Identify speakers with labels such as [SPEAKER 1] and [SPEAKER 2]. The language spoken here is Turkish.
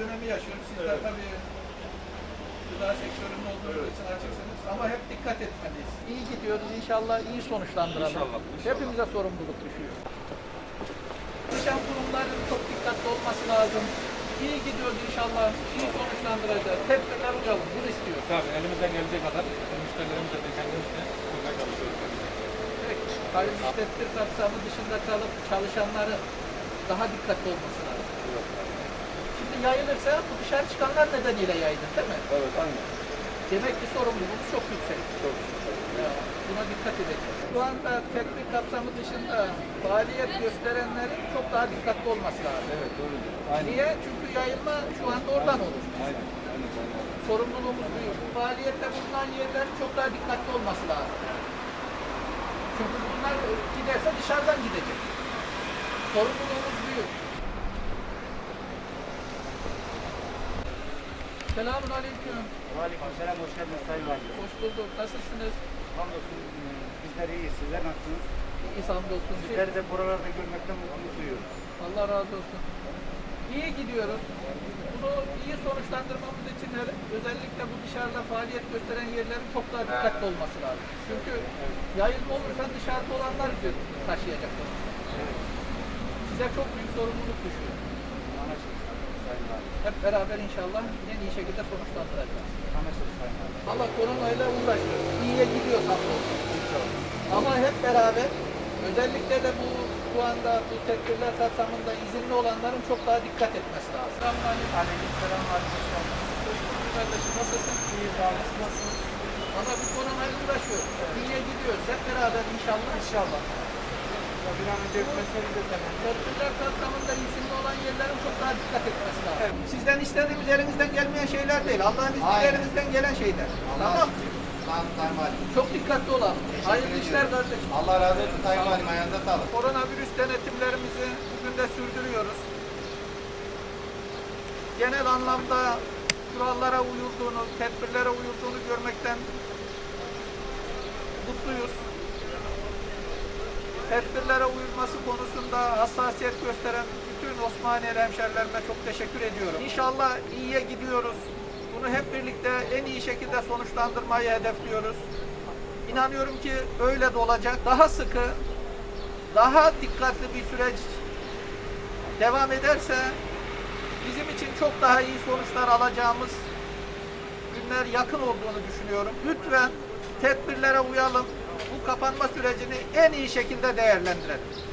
[SPEAKER 1] dönemi yaşıyoruz. Sizler tabii gıda sektörünün olduğu için açıksınız ama hep dikkat etmeliyiz. İyi gidiyoruz. İnşallah iyi sonuçlandıralım.
[SPEAKER 2] İnşallah.
[SPEAKER 1] Hepimize sorumluluk düşüyor. Çalışan kurumların çok dikkatli olması lazım. İyi gidiyoruz inşallah. İyi sonuçlandıracağız. Tedbirler uyalım. Bunu istiyoruz.
[SPEAKER 2] Tabii elimizden geldiği kadar müşterilerimize de kendimizle uymaya çalışıyoruz.
[SPEAKER 1] Peki, kayyum tedbir kapsamı dışında kalıp çalışanların daha dikkatli olması lazım. Şimdi yayılırsa bu dışarı çıkanlar nedeniyle yayılır değil mi?
[SPEAKER 2] Evet, aynen.
[SPEAKER 1] Demek ki sorumluluğumuz çok yüksek.
[SPEAKER 2] Çok yüksek.
[SPEAKER 1] Buna dikkat edeceğiz. Şu anda tedbir kapsamı dışında faaliyet gösterenlerin çok daha dikkatli olması lazım.
[SPEAKER 2] Evet, doğru. Aynen.
[SPEAKER 1] Niye? Çünkü yayılma şu anda oradan olur.
[SPEAKER 2] Aynen. Aynen.
[SPEAKER 1] Sorumluluğumuz büyük. Bu faaliyette bulunan yerlerin çok daha dikkatli olması lazım. Çünkü bunlar giderse dışarıdan gidecek. Sorumluluğumuz büyük. Selamun aleyküm.
[SPEAKER 3] Aleykümselam, hoş geldiniz Sayın Valim.
[SPEAKER 1] Hoş bulduk. Nasılsınız?
[SPEAKER 3] Hamdolsun, bizler iyiyiz. Sizler nasılsınız?
[SPEAKER 1] İyi hamdolsun.
[SPEAKER 3] Sizleri de buralarda görmekten mutluluk duyuyoruz.
[SPEAKER 1] Allah razı olsun. İyi gidiyoruz. Bunu iyi sonuçlandırmamız için özellikle bu dışarıda faaliyet gösteren yerlerin çok daha dikkatli olması lazım. Çünkü yayılma olursa dışarıda olanlar taşıyacak. Size çok büyük sorumluluk düşüyor.
[SPEAKER 3] Anlaşıldı Sayın Valim.
[SPEAKER 1] Hep beraber inşallah en iyi şekilde sonuçlandıracağız.
[SPEAKER 3] Anlaşıldı Sayın Valim.
[SPEAKER 1] Ama koronayla uğraşıyoruz. İyiye gidiyor hamdolsun. Ama hep beraber özellikle de bu şu anda bu tedbirler kapsamında izinli olanların çok daha dikkat etmesi lazım. Selamünaleyküm.
[SPEAKER 3] Aleykümselam, aleykümselam.
[SPEAKER 1] Kardeşim nasılsın?
[SPEAKER 3] İyiyiz abi, siz nasılsınız?
[SPEAKER 1] Ama bu koronayla uğraşıyoruz. İyiye gidiyoruz. Hep beraber inşallah.
[SPEAKER 3] İnşallah. Ya bir an önce hükümetlerimiz de temel.
[SPEAKER 1] Tedbirler kapsamında izinli olan yerlerin çok daha dikkat etmesi lazım. Sizden istediğimiz elinizden gelmeyen şeyler değil. Allah'ın izniyle elinizden gelen şeyler. Tamam.
[SPEAKER 4] Tamam Sayın Valim.
[SPEAKER 1] Çok dikkatli olalım. Hayırlı işler kardeşim.
[SPEAKER 4] Allah razı olsun Sayın Valim. Ayağınıza sağlık.
[SPEAKER 1] Koronavirüs denetimlerimizi bugün de sürdürüyoruz. Genel anlamda kurallara uyulduğunu, tedbirlere uyulduğunu görmekten mutluyuz. Tedbirlere uyulması konusunda hassasiyet gösteren bütün Osmaniyeli hemşerilerime çok teşekkür ediyorum. İnşallah iyiye gidiyoruz. Bunu hep birlikte en iyi şekilde sonuçlandırmayı hedefliyoruz. İnanıyorum ki öyle de olacak. Daha sıkı, daha dikkatli bir süreç devam ederse bizim için çok daha iyi sonuçlar alacağımız günler yakın olduğunu düşünüyorum. Lütfen tedbirlere uyalım. Bu kapanma sürecini en iyi şekilde değerlendirelim.